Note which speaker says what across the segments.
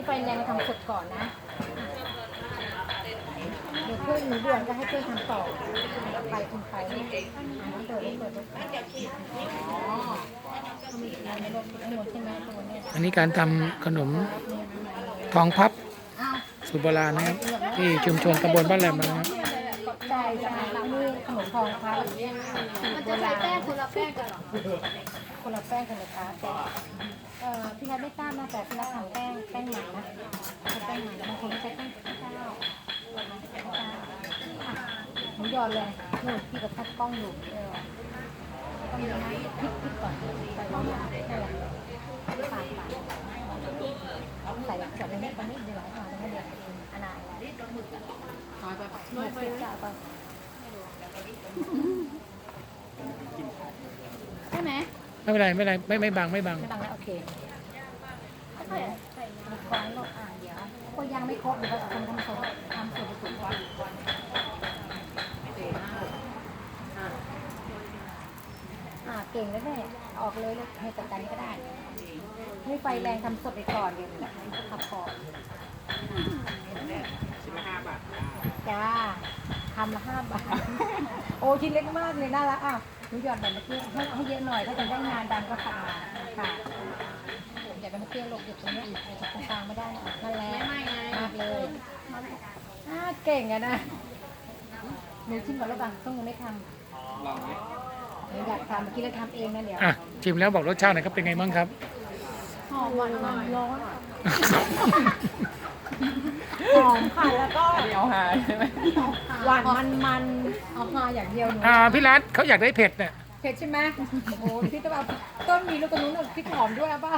Speaker 1: ไฟแรงเราทำสดก่อนนะเดี๋ยวเพื่อนหนูด่วนก็ให้เพื่อนทำต่อไปคุณไปนี่น้ำเดือดเปิดอ๋อไม่ลดไม่ลดใช่ไหมตัวนี้
Speaker 2: อันนี้การทำขนมทองพับสูตรโบราณนะครับที่ชุมชนตำบลบ้านแหลมนะครับ
Speaker 1: ใช่ใช่นี่ขนมทองพับ
Speaker 3: มันจะใช้แป้งคนละแป้งกันเหรอ
Speaker 1: คนละแป้งคนละค้าแต่พี่นัทไม่ทราบนะแต่พี่นัททำแป้งมันนะแป้งมันบางคนไม่ใช้แป้งข้าวหนูหยอดเลยหนูพี่กับทัดกล้องอยู่ต้องยังไงพลิกก่อนใส่ลงไปนั่นแหละปาดใส่แบบนี้ตอนนี้เดี๋ยวหน่อยตรงนี้เดี๋ยวอันนั้นน้อยไปน้อยไปจ้าไปใช่ไหม
Speaker 2: ไม่เป็นไรไม่เป็นไรไม่บัง
Speaker 1: ไม่บังแล้วโอเคใส่ก้อนลงเดี๋ยวก็ยังไม่ครบเดี๋ยวเราทำส่วนผสมก่อนเก่งแล้วแม่ออกเลยให้จัดการก็ได้ให้ไฟแรงทำสดไปก่อนเดี๋ยวขับก่อนจ้าทำละ5 บาทโอ้ชิ้นเล็กมากเลยน่ารักอ่ะหนูหยอดแบบเมื่อกี้ให้เยอะหน่อยถ้าจะได้งานดังก็ขัดมาค่ะอยากเป็นเพื่อนลงอยู่ตรงนี้จับตรงกลางไม่ได้นั่นแหละมากเลยเก่งอะนะหนูชิมก่อนแล้วบ้างต้องยังไม่ทำหนูอยากทำเมื่อกี้เราทำเองนะเดี๋ยว
Speaker 2: อ่ะชิมแล้วบอกรสชาติหน่อยครับเป็นไงบ้างครับ
Speaker 1: หอมหวานร้อนหอมค่ะแล้วก็เอาหาใช่ไหมหวานมันเอาหาอย่างเดียวหนู
Speaker 2: พี่รัฐเขาอยากได้เผ็ดเนี่ย
Speaker 1: เผ็ดใช่ไหมโอ้โหพี่ต้องเอาต้นมีลูกกระนุ้นพริกหอมด้วยป่ะ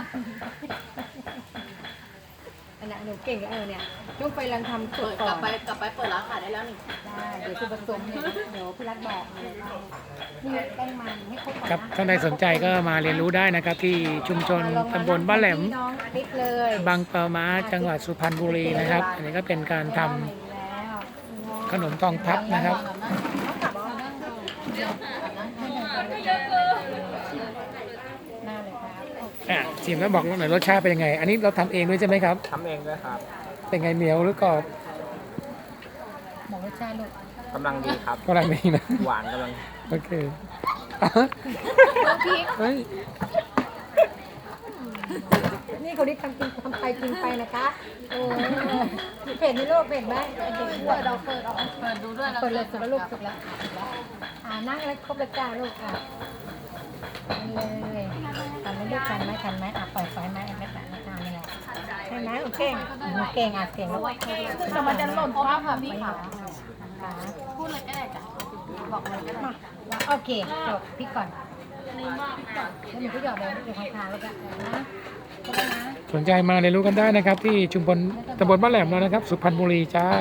Speaker 1: อันนั้นหนูเก่งแล้วเนี่ยต้องไปรังทำสดก่อน
Speaker 3: กลับไปเปิดร้านขายได้แล้วนี่
Speaker 1: ได้เดี๋ยวคุณผสมเนี่ยเดี๋ยวพี่รัฐบอกนี่แป้งมันให้ครบก่อน
Speaker 2: ครับ
Speaker 1: นะ
Speaker 2: ท่านใดสนใจก็มาเรียนรู้ได้นะครับ ที่ชุมชนตำบลบ้านแหลม
Speaker 1: น้องติ๊กเลย
Speaker 2: บางปะมาจังหวัดสุพรรณบุรีนะครับ อันนี้ก็เป็นการทำขนมทองพับนะครับ
Speaker 1: หน้าเลยครับ
Speaker 2: ชิมแล้วบอกหน่อยรสชาติเป็นยังไง อันนี้เราทำเองด้วยใช่ไหมครับ
Speaker 4: ทำเองด้วยครับ
Speaker 2: เป็นไงเหนียวหรือกรอบ
Speaker 1: บอกรสชาติลูก
Speaker 4: กำลังดีครับ
Speaker 2: กำลังดีนะ
Speaker 4: หวานกำลัง
Speaker 2: โอเคเฮ้ย
Speaker 1: นี่เขาได้ทำไปกินไปนะคะโอ้เผ็ดในโลกเผ็ดไหมเผ็ดด้วยเราเปิดดูด้วยเปิดเลยสุดแล้วลูกสุดแล้วนั่งแล้วครบแล้วจ้าลูกเลยทำไม่ได้ทันไหมปล่อยไฟไหมไม่ทันไม่ทันนี่แหละใช่ไหมโอเคเก่งเก่งแล้วแต่มันจะหล่นภาพค่ะพี่ขาพูดเลยก็ได้จ้ะบอกเลยก็ได้โอเคจบพี่ก่อนแล้วหนูก็หยอดเลยเดี๋ยวทางแล้วกันนะ
Speaker 2: สนใจมาเรียนรู้กันได้นะครับ ที่ชุมพลตำบลบ้านแหลมแล้วนะครับ สุพรรณบุรีจ้า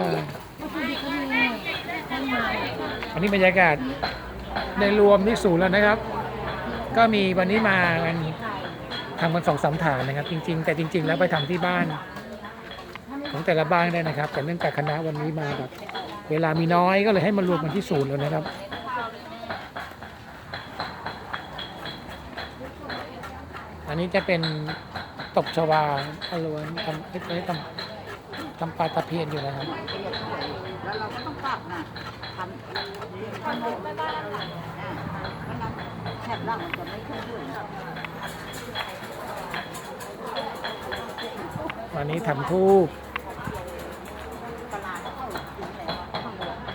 Speaker 2: อันนี้บรรยากาศในรวมที่ศูนย์แล้วนะครับ ก็มีวันนี้มากันทำกัน2-3 ฐานนะครับ จริงๆ แต่จริง ๆ แล้วไปทำที่บ้านของแต่ละบ้านได้นะครับ แต่เนื่องจากคณะวันนี้มาแบบเวลามีน้อยก็เลยให้มารวมกันที่ศูนย์แล้วนะครับ อันนี้จะเป็นตบชวาอรวนทำปลาตะเพียนอยู่นะครับ
Speaker 3: แล้วเราก็ต้องปรับนะทำไม่ได้แถบล่างมันจะไม่ขึ้นด้วย
Speaker 2: วันนี้ทำทูบ
Speaker 3: ตลาดเข้าถึงแล้วข้างบน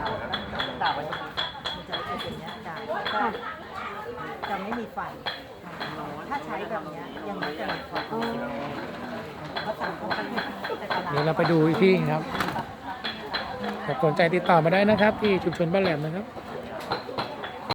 Speaker 3: มันจะเป็นอย่างนี้จ้ะก็จะไม่มีไฟถ้าใช้แบบนี้ยังไม่จะมีไฟเขาสั่งเขาไปแต่ตลาด
Speaker 2: เดี๋ยวเราไปดูอีกที่ครับถ้าสนใจติดต่อมาได้นะครับ ที่ชุมชนบ้านแหลมนะครับ